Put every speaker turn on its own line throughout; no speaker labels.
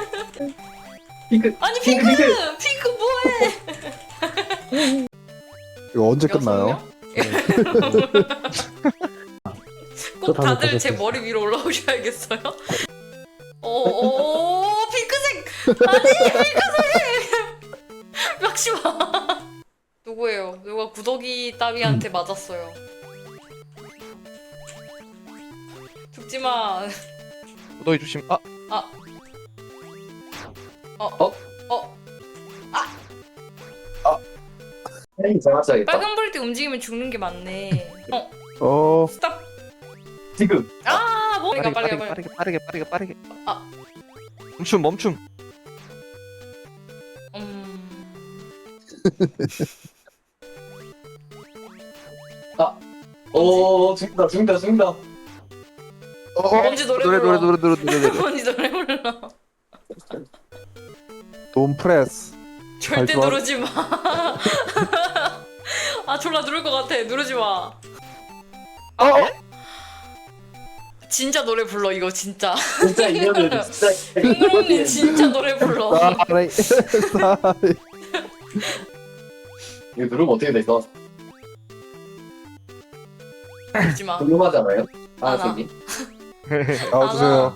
핑크.
아니
핑크,
핑크!
핑크.
핑크 뭐해?
이거 언제
여섯
끝나요?
명? 꼭
또 다음에
다들 제
보셨어요.
머리 위로 올라오셔야겠어요? 오 핑크색! 아니 핑크색! 막시마 누구예요? 누가 구더기 따위한테 맞았어요. 죽지마.
너희 조심. 아
잡았어야겠다.
빨간 불 때 움직이면 죽는 게 맞네. 스탑.
지금.
아 뭐니까
빠르게
빨리.
빠르게 빠르게 빠르게 빠르게.
아.
멈춤 멈춤.
오 죽는다 죽는다 죽는다.
뭔지 노래
노래
불러.
노래
뭔지 노래 불러.
돈 프레스.
절대
좋아.
누르지 마. 아 졸라 누를 것 같아. 누르지 마. 진짜 노래 불러 이거 진짜.
진짜 이년들 진짜.
핑그롱님 진짜 노래 불러.
사리. 사리.
이거 누르면 어떻게 될까?
누르지 마.
궁금하잖아요.
아, 나.
저기
나와주세요.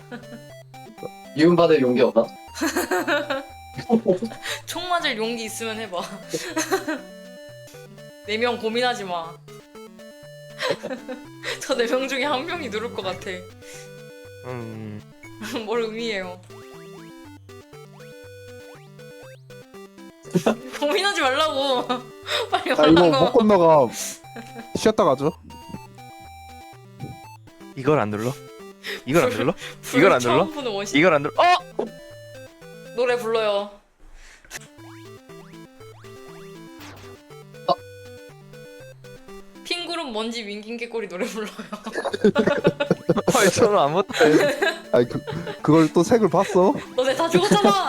미움 받을 용기 없나?
총 맞을 용기 있으면 해봐. 4명 고민하지 마. 저 4명 중에 한 명이 누를 것 같아. 뭘 의미해요? 고민하지 말라고. 빨리
아 이거 못
말라고.
건너가. 쉬었다 가죠.
이걸 안 눌러? 이걸 안 눌러?
불
이걸 안
처음
눌러?
보는 원신.
이걸 안 눌러?
노래 불러요. 핑구름 먼지 윙킹 개꼬리 노래 불러요.
헐 저는 아무것도 안 해.
아니 그걸 또 색을 봤어?
너네 다 죽었잖아.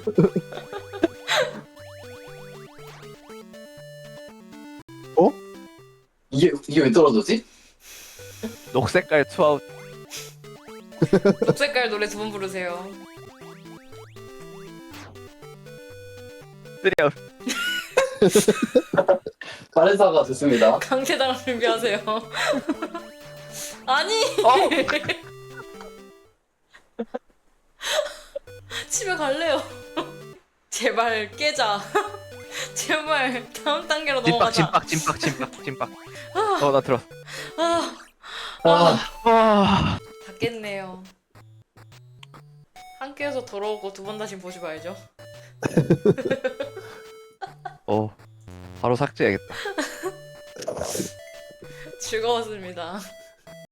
이게 왜 떨어졌지?
녹색깔 투아웃.
녹색깔 노래 2번 부르세요.
쓰리아웃.
빠른 사과 좋습니다.
강제당할 준비하세요. 아니. 집에 갈래요. 제발 깨자. 제발 다음 단계로 넘어가자.
찐빡. 나 들어.
아,
아,
다 깼네요. 함께해서 더러우고 2번 다시 보지 말죠.
바로 삭제해야겠다.
즐거웠습니다.